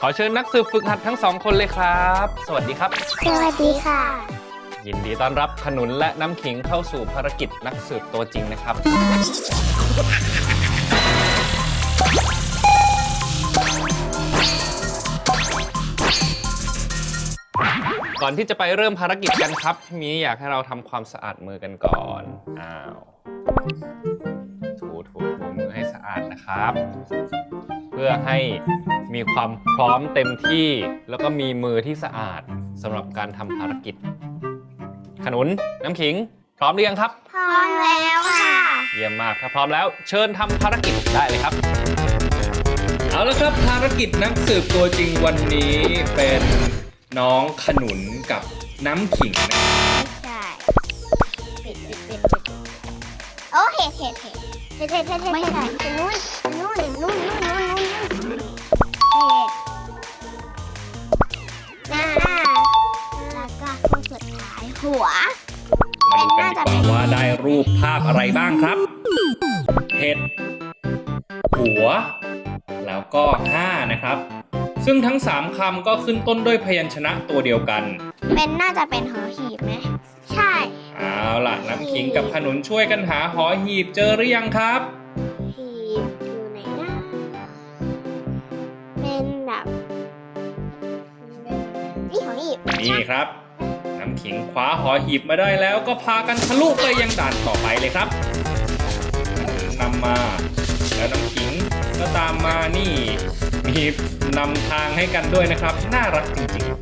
ขอเชิญนักสืบฝึกหัดทั้งสองคนเลยครับ สวัสดีครับสวัสดีค่ะยินดีต้อนรับขนุนและน้ำขิงเข้าสู่ภารกิจนักสืบตัวจริงนะครับ ก่อนที่จะไปเริ่มภารกิจกันครับพี่มีอยากให้เราทำความสะอาดมือกันก่อนถูมือให้สะอาดนะครับ เพื่อให้มีความพร้อมเต็มที่แล้วก็มีมือที่สะอาดสำหรับการทำภารกิจขนุนน้ำขิงพร้อมหรือยังครับพร้อมแล้วค่ะเยี่ยมมากถ้าพร้อมแล้วเชิญทำภารกิจได้เลยครับเอาละครับภารกิจนักสืบตัวจริงวันนี้เป็นน้องขนุนกับน้ำขิงนะใช่ปิดโอ้เห็ดไม่ใช่นู่นเห็ดแล้วก็คนสุดท้ายหัวมาดูกันดีกว่าว่าได้รูปภาพอะไรบ้างครับเห็ดหัวแล้วก็5นะครับซึ่งทั้ง3คำก็ขึ้นต้นด้วยพยัญชนะตัวเดียวกันน่าจะเป็นหอหีบไหมใช่เอาล่ะน้ำขิงกับขนุนช่วยกันหาหอหีบเจอหรือยังครับหีบอยู่ไหนนะเป็นแบบนี่หอหีบนี่ครับน้ำขิงคว้าหอหีบมาได้แล้วก็พากันทะลุไปยังด่านต่อไปเลยครับนำมาแล้วน้ำขิงก็ตามมานี่มีนำทางให้กันด้วยนะครับน่ารักจริง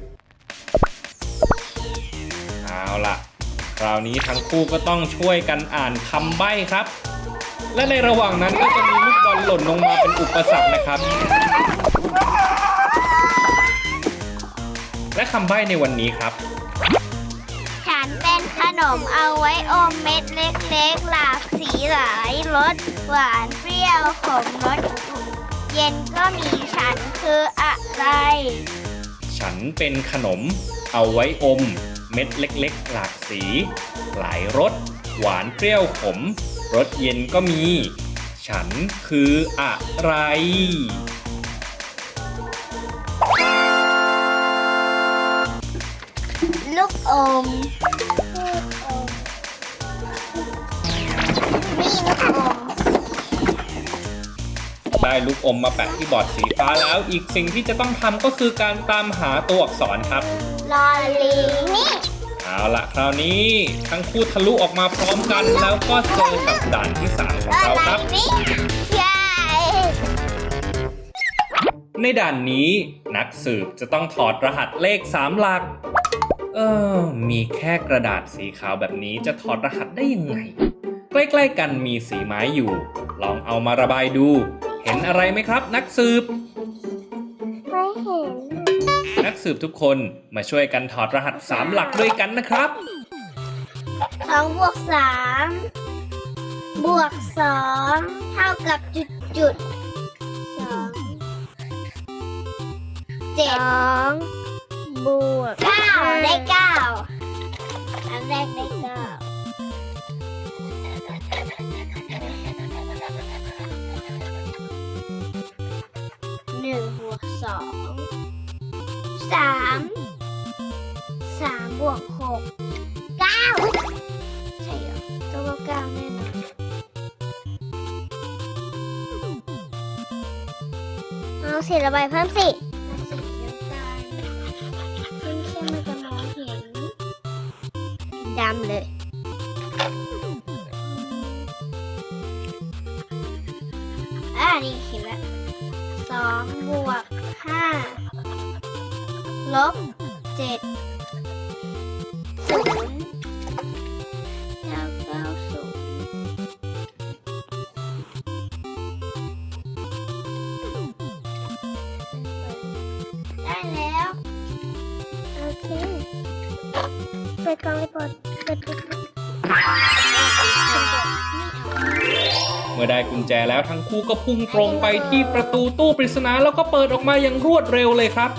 ๆเอาล่ะคราวนี้ทั้งคู่ก็ต้องช่วยกันอ่านคำใบ้ครับและในระหว่างนั้นก็จะมีลูกบอลหล่นลงมาเป็นอุปสรรคนะครับและคำใบ้ในวันนี้ครับฉันเป็นขนมเอาไว้อมเม็ดเล็กๆหลากสีหลายรสหวานเปรี้ยวขมรสเย็นก็มีฉันคืออะไรฉันเป็นขนมเอาไว้อมเม็ดเล็กๆหลากสีหลายรสหวานเปรี้ยวขมรสเย็นก็มีฉันคืออะไรลูกอมนี่ลูกอมได้ลูกอมมาแปะที่บอร์ดสีฟ้าแล้วอีกสิ่งที่จะต้องทำก็คือการตามหาตัวอักษรครับลอลิงนี่เอาล่ะคราวนี้ทั้งคู่ทะลุออกมาพร้อมกันแล้วก็เจอกับด่านที่3ของเราครับในด่านนี้นักสืบจะต้องถอดรหัสเลข3หลักมีแค่กระดาษสีขาวแบบนี้จะถอดรหัสได้ยังไงใกล้ๆกันมีสีไม้อยู่ลองเอามาระบายดูเห็นอะไรไหมครับนักสืบไม่เห็นนักสืบทุกคนมาช่วยกันถอดรหัส3หลักด้วยกันนะครับ 2 บวก 3 บวก 2 เท่ากับจุด2 บวก 9 ได้ 9อันแรกได้ 9 1 บวก 2 3 บวก 6 9ใช่เหรอตัวก็9แน่นอนเอาสีระบายเพิ่มสิเข้มๆมันจะมองเห็นดำเลยนี่เห็นแล้ว2 บวก 5 ลบ 7 0 แล้ว90ได้แล้วโอเคเปิดกล่องรีพอร์ตเปิดเมื่อได้กุญแจแล้วทั้งคู่ก็พุ่งตรงไปที่ประตูตู้ปริศนาแล้วก็เปิดออกมาอย่างรวดเร็วเลยครับ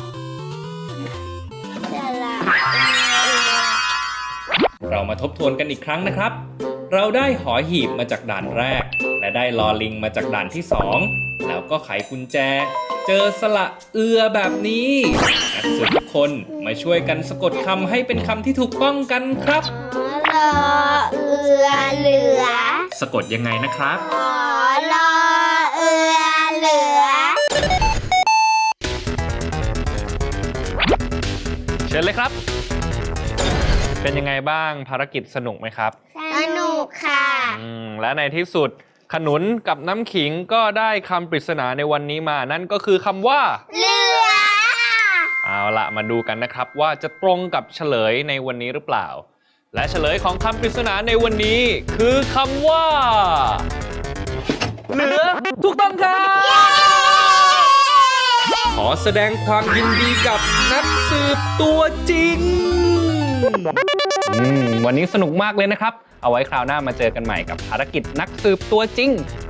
เรามาทบทวนกันอีกครั้งนะครับ เราได้หอหีบมาจากด่านแรกและได้ลอลิงมาจากด่านที่2แล้วก็ไขกุญแจเจอสระเอือแบบนี้นักสืบทุกคนมาช่วยกันสะกดคำให้เป็นคำที่ถูกต้องกันครับรอเอือเหลือสะกดยังไงนะครับรอเอือเหลือเชิญเลยครับ เป็นยังไงบ้างภารกิจสนุกไหมครับสนุกค่ะและในที่สุดขนุนกับน้ำขิงก็ได้คำปริศนาในวันนี้มานั่นก็คือคำว่าเหลือเอาละมาดูกันนะครับว่าจะตรงกับเฉลยในวันนี้หรือเปล่า และเฉลยของคำปริศนาในวันนี้คือคำว่า เหลือถูกต้องครับขอแสดงความยินดีกับนักสืบตัวจริง วันนี้สนุกมากเลยนะครับ เอาไว้คราวหน้ามาเจอกันใหม่กับภารกิจนักสืบตัวจริง